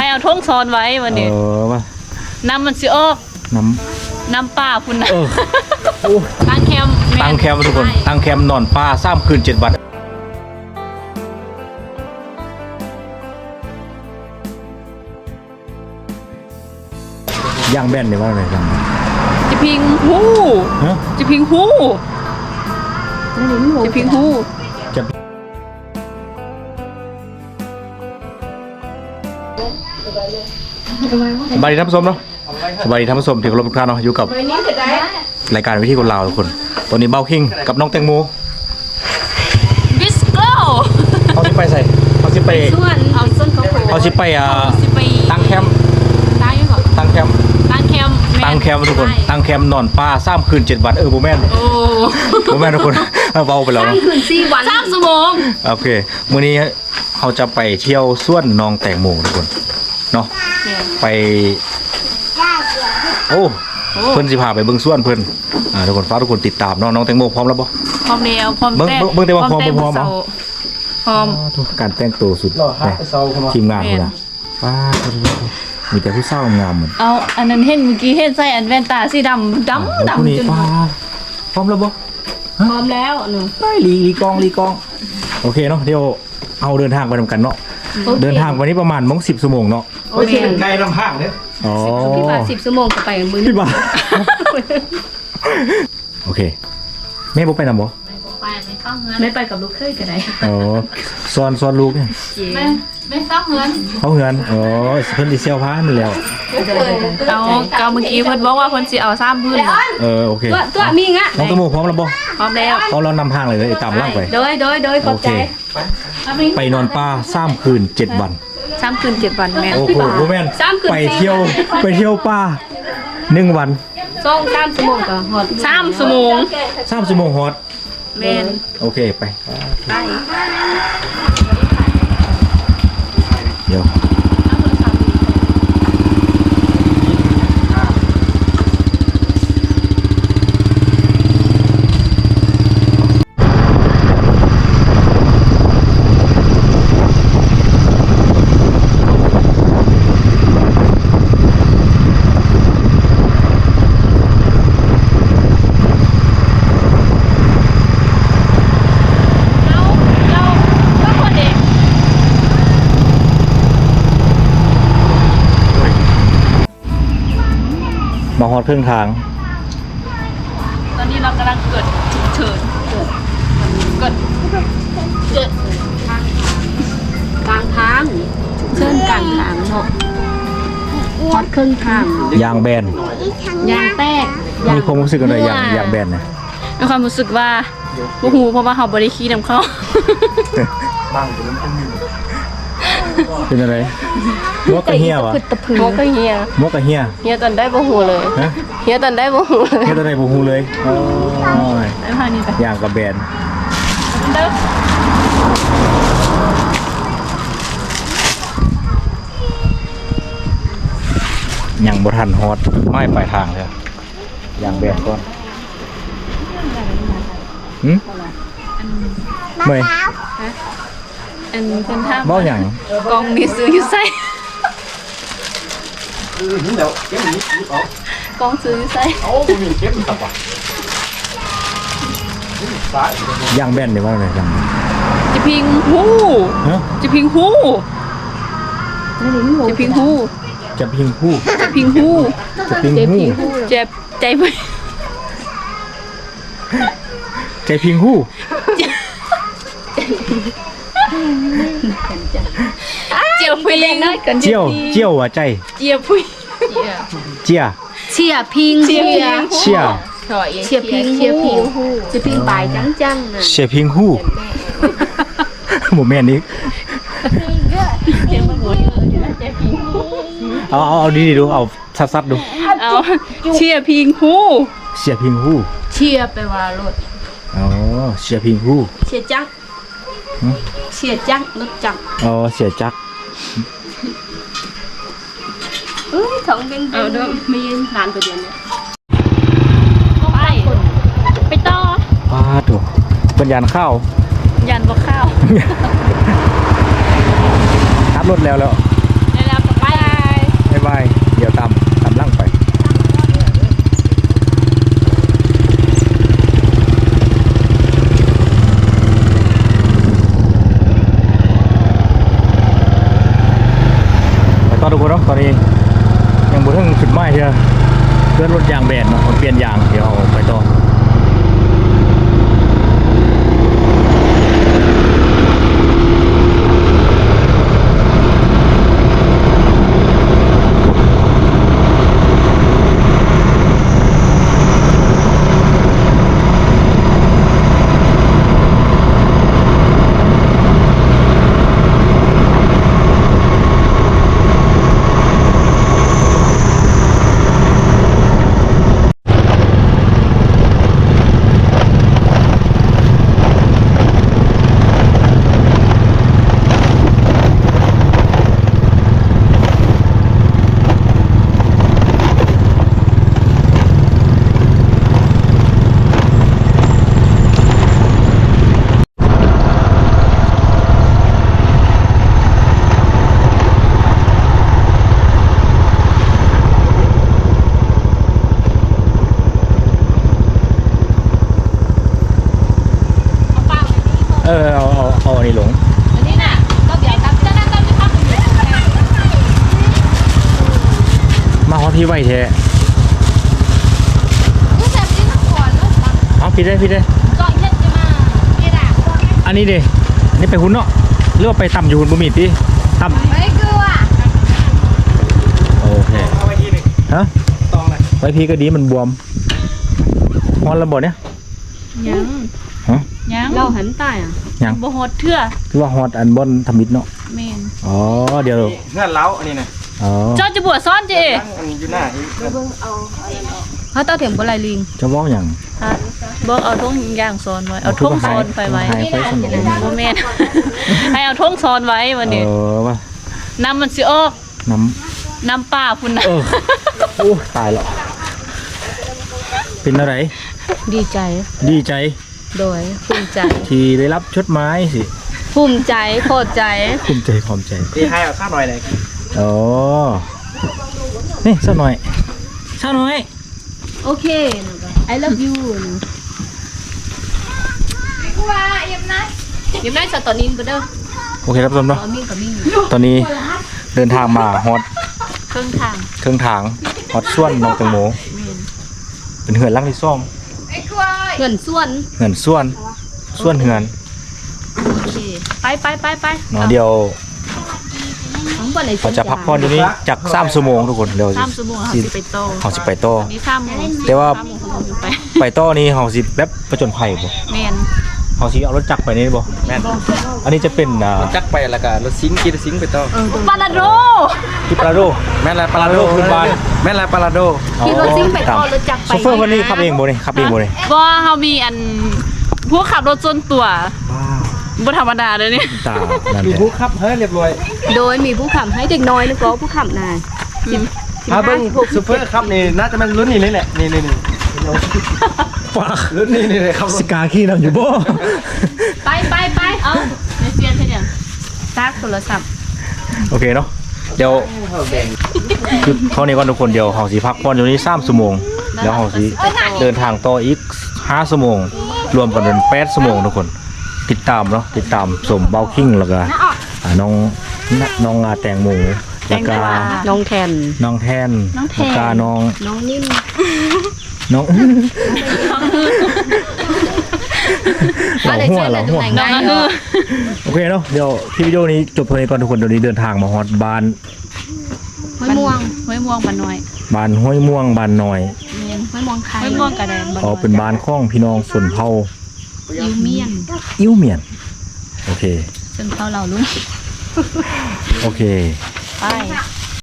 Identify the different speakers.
Speaker 1: เอาท้องซ้อนไว้วันนี้
Speaker 2: มา
Speaker 1: น้ำมันสิออกน้ำป่าพุ่นนะตั้งแคมป์
Speaker 2: ทุกคนตั้งแคมป์นอนป่า3 คืน 7 วันย่างแบนเนี่ยว่าอะไรกัน
Speaker 1: จะพิงหูจะพิงหูจะพิงหูสบายดีท่านผู้ชมเนาะสบายดีท่านผู้ชมที่เคารพทุกท่านเนาะอยู่กับรายการวิธีคนลาวทุกคนตอนนี้เบาคิงกับน้องแตงโมบิสโก้
Speaker 2: เขาสิไปใส่เขาสิไปเขาสิไปตั้งแคมป์ตั้งแคมป์ทุกคนตั้งแคมป์นอนป่า3 คืน 7 วันโบแมนโบแมนทุกคนเบาไปแล้ว
Speaker 1: 3 คืน 4 วัน3 ชั่วโมง
Speaker 2: โอเคมื้อนี้เขาจะไปเที่ยวสวนน้องแตงโมทุกคนเนาะไปโอ้เพิ่นสิพาไปเบิ่งสวนเพิ่นทุกคนฝากทุกคนติดตามน้องแตงโมพร้อมแล้วบ่
Speaker 1: พร้อมแล้วพร้อมแต่
Speaker 2: เบิ่งแต่ว่าพร้อมพร้อม
Speaker 1: ทุก
Speaker 2: การแต่งตัวสุดทีมงานพุ่นน่ะว้ามีแต่ผู้เศร้างามเหมือน
Speaker 1: เอาอันนั้นเห็นเมื่อกี้เห็นใส่อันแว่นตาสีดำจน
Speaker 2: พร้อมแล้วบ่
Speaker 1: พร้อมแล้วหนู
Speaker 2: ได้ลีกองโอเคเนาะเดี๋ยวเอาเดินทางไปนำกันเนาะเดินทางวันนี้ประมาณ10 ชั่วโมงเนาะ
Speaker 3: โอเคไกลลำห้างเนี่ย
Speaker 1: พี่บา10 ชั่วโมงก็ไปมื้อ
Speaker 2: พี่บาโอเคแม่บ่ไปนำบ่
Speaker 1: ไม่ไปกับลูกเคยก็ได้
Speaker 2: ซ้อนลูกเนี่ย
Speaker 1: ไม่เฝ้าเฮือน
Speaker 2: เขาเฮือนเพิ่นสิเซลพามันแล้ว
Speaker 1: เอาเมื่อกี้เพิ่นบอกว่าเพิ่นสิเอา3 พื้น
Speaker 2: โอเค
Speaker 1: ตัวมีงะ
Speaker 2: น้องตะโมพร้อมแล้วบ่
Speaker 1: พร้อมแล้ว
Speaker 2: เรานำทางเลยตามล่างไป
Speaker 1: โดยขอบใจ
Speaker 2: ไปนอนป่า3 คืน 7 วัน
Speaker 1: 3 คืน 7 วันแม่
Speaker 2: โอ้โหแม่นไปเที่ยวป่า1 วัน
Speaker 1: 3 ชั่วโมงก็ฮอด3 ชั่วโมง
Speaker 2: 3 ชั่วโมงฮอด
Speaker 1: แม่น
Speaker 2: โอเคไปเดี๋ยวมาฮอดครึ่งทาง
Speaker 1: ตอนนี้เรากำลังเกิดฉุกเฉินเกิดกลางทางเชิญกลางทางเนาะฮอดครึ่งทาง
Speaker 2: ยางแบน
Speaker 1: ยางแตก
Speaker 2: มีความรู้สึกอะไรยางแบนนะ
Speaker 1: มีความรู้สึกว่าโอ้โหเพราะว่าเขาบริคีนำเขา
Speaker 2: เป็นอะไรมกกะเฮียวะ
Speaker 1: มกกะเฮียเฮียตอนได้บ่หูเลยเฮียตอนได้บ่หู
Speaker 2: เลยอย่างกับแบนอย่างบทันฮอตไม่ปลายทางเลยอย่างแบนก่อนเมื่อย
Speaker 1: อันเป็นท่า
Speaker 2: เบ้าอย่าง
Speaker 1: กองนี่ซื้ออยู่ใส่กองซื้ออยู่ใส่
Speaker 2: ย่างแบนหรือว่าอะไรกัน
Speaker 1: จะพิงหูจะพิงหูจะพิงหู
Speaker 2: จะพิงหู
Speaker 1: เจ็บใจไป
Speaker 2: ใจพิงหู
Speaker 1: เจียวพิง
Speaker 2: เจียวหัวใจ
Speaker 1: เจียวพิง
Speaker 2: เจีย
Speaker 1: พิง
Speaker 4: จะพิงปลายจังนะ
Speaker 2: เชียพิงหูโมเมนต์นี้เอาดีดูเอาซัดดู
Speaker 1: เอาเชียพิงหู
Speaker 2: เชีย
Speaker 4: ไปว่ารถ
Speaker 2: เชียพิงหู
Speaker 4: เชียจักรถจัก
Speaker 2: เชียจัก
Speaker 4: ของเป็นมีร้านตัวเดียวเนี่ย
Speaker 1: ไปต่อ
Speaker 2: ถูกเป็นยานข้าว
Speaker 1: ยันบ่ข้าว
Speaker 2: ขับรถแล้ว
Speaker 1: ไปทุกคนเนาะตอนนี้ยังบ่ถึงจุดหมายเชียวเพื่อนรถยางแบนเนาะเปลี่ยนยางเดี๋ยวเอาไปต่อเอาอันนี้ลง
Speaker 4: อันนี้น่ะก็เดี๋ยวตักจะนั่งตั้งที่พักอยู่
Speaker 1: มาฮอดพี่ไว้แท้
Speaker 4: ผู้ชายที่ทั้งก่อนแล้ว
Speaker 1: เอาพี่ได้
Speaker 4: ก่อนเช่นจะมาพี่ด่า
Speaker 1: อันนี้ดิอันนี้ไปหุ่นเนาะหรือว่าไปต่ำอยู่หุ่นบ่มีติต่ำ
Speaker 4: ไม่กลัว
Speaker 1: โอเค
Speaker 3: เอาไว้ที่หนึ่ง
Speaker 1: ฮะ
Speaker 3: ตองเลย
Speaker 1: ไว้พี่ก็ดีมันบวมฮอนระเบิดเนี่ย
Speaker 2: ยัง
Speaker 1: ฮะ
Speaker 2: ยัง
Speaker 4: เราหันตายอ่ะ
Speaker 1: ยัง
Speaker 2: บ่ฮอดเทื่อ
Speaker 1: คือว่าฮอตอันบอนทำมิดเนาะ
Speaker 2: แม่น
Speaker 1: อ๋อเดี๋ยว
Speaker 3: เงื่อนเล้าอันนี้นะ
Speaker 1: อ๋อ
Speaker 2: เจ้าจะบวชซ้อนจิ
Speaker 3: ตั้งอันอยู่หน้าอีก
Speaker 4: เขาต้าเถียงบลายลิง
Speaker 1: จะบอกอย่าง
Speaker 2: ฮะบอกเอาท่งย่างซ้อนไว้เอาท่งซ้อนไปไว้
Speaker 1: หายไปสมอง
Speaker 2: บ่แม่น ให้เอาท่งซ้อนไว้วันนี้
Speaker 1: ว่า
Speaker 2: น้ำมันสิออก
Speaker 1: น้
Speaker 2: น้ำป่าพุ่นน่ะ
Speaker 1: ำโอ้ตายแล้วเป็นอะไร
Speaker 4: ดีใจ
Speaker 1: ดีใจ
Speaker 4: โดยภูมิใจ
Speaker 1: ที่ได้รับชดไม้สิ
Speaker 4: ภูมิใจโคตรใจ
Speaker 1: ภูมิใจพร้อมใจ
Speaker 3: ตีให้เอาข้าวหน่อยเลย
Speaker 1: อ๋อนี่สักหน่อยสักหน่อย
Speaker 4: โอเค I love you กูว่าเยี่ยมนะเยี่ยมได้สตอนินไปเด้อ
Speaker 1: โอเคครับผู้ชมเนาะ
Speaker 4: ตอนนี้กับมิ่ง
Speaker 1: ตอนนี้เดินทางมาฮอต
Speaker 2: เครื่องทาง
Speaker 1: เครื่องทางฮอตส่วนน้องแตงโมเป็นเหือนลังที่ซ่อม
Speaker 4: เงินส่วน
Speaker 1: เหือนส่วนเหือน
Speaker 2: โอเคไป
Speaker 1: เนาะเดี๋ยว
Speaker 4: ทั้งหมดใน
Speaker 1: เราจะพักผ่อนอยู่นี้จาก3ชั่วโมงทุกคนเดี๋ยว
Speaker 2: 3ชั่วโมงเขาสิไปโต
Speaker 1: เขาสิไปโต
Speaker 2: มี3โมง
Speaker 1: แต่ว่า
Speaker 2: 3โมงเขาสิไป
Speaker 1: ไปโตนี้เขาสิแบบประจนภัยบ่
Speaker 2: แม่น
Speaker 1: เขาสิเอารถจักรไปนี่บ่
Speaker 3: แม่น
Speaker 1: อันนี้จะเป็น
Speaker 3: จักไปแล้วก็รถซิงกีรซิงไปต่อ
Speaker 2: ปาราโด
Speaker 1: ที่ปราโด
Speaker 3: แม่นลายปาราโด
Speaker 1: ขึ้นบ้าน
Speaker 3: แม่นลายปาราโด
Speaker 4: ขี่รถซิ่งไปต่อรถจักรไป
Speaker 1: โซเฟอร์คนนี้ขับเองบ่นี่ขับเองบ่นี่
Speaker 2: บ่เฮามีอันผู้ขับรถส่วนตัวบ่ธรรมดาเด้อนี่
Speaker 1: ตานั่น
Speaker 3: มี
Speaker 1: แหละ
Speaker 3: ผู้ขับเฮ้ยเรียบร้อย
Speaker 4: โดยมีผู้ขับให้เด็กน้อยนึกว่าผู้ขับนาย
Speaker 3: เบิ้งซูเปอร์ครับนี่น่าจะเป็นรุ่นนี้เลยแหละนี่
Speaker 1: ฟ้า
Speaker 3: รุ่นนี้นี่เลยครับ
Speaker 1: สกาขี้นำอยู่บ่
Speaker 4: ไป
Speaker 2: เอ้าในเซียนเฮ็ดหยัง
Speaker 4: ซักโทรศัพท์
Speaker 1: โอเคเนาะเดี๋ยวคือเท่านี้ก่อนทุกคนเดี๋ยวเขาสิพักผ่อนอยู่นี่3ชั่วโมงแล้วเขาสิเดินทางต่ออีก5ชั่วโมงรวมกันเป็น8ชั่วโมงทุกคนติดตามเนาะติดตามสมเบาคิงแล้วก็น้องแตงโมแล้วก็
Speaker 4: น้องแทน
Speaker 1: น้องแทนแล้วก็น้อง
Speaker 4: น้องนิ่ม
Speaker 1: น้องหัว
Speaker 2: น้องก็คือ
Speaker 1: โอเคเนาะเดี๋ยวคลิปวิดีโอนี้จบเท่านี้ก่อนทุกคนเดี๋ยวนี้เดินทางมาฮอดบ้าน
Speaker 4: ห้วยม่วง
Speaker 2: ห้วยม่วงบ้านน้อย
Speaker 1: บ้านห้วยม่วงบ้านน้อย
Speaker 2: แม่น
Speaker 4: ห้วยม่วงไทย
Speaker 2: ห้วยม่วงกระแดน
Speaker 1: อ๋อเป็นบ้านข้องพี่น้องส่วนเผ่า
Speaker 4: ยูเมียน
Speaker 1: อิ่วเมียนโอเค
Speaker 2: ซึ่งเขาเราลุง
Speaker 1: โอเค
Speaker 2: ไป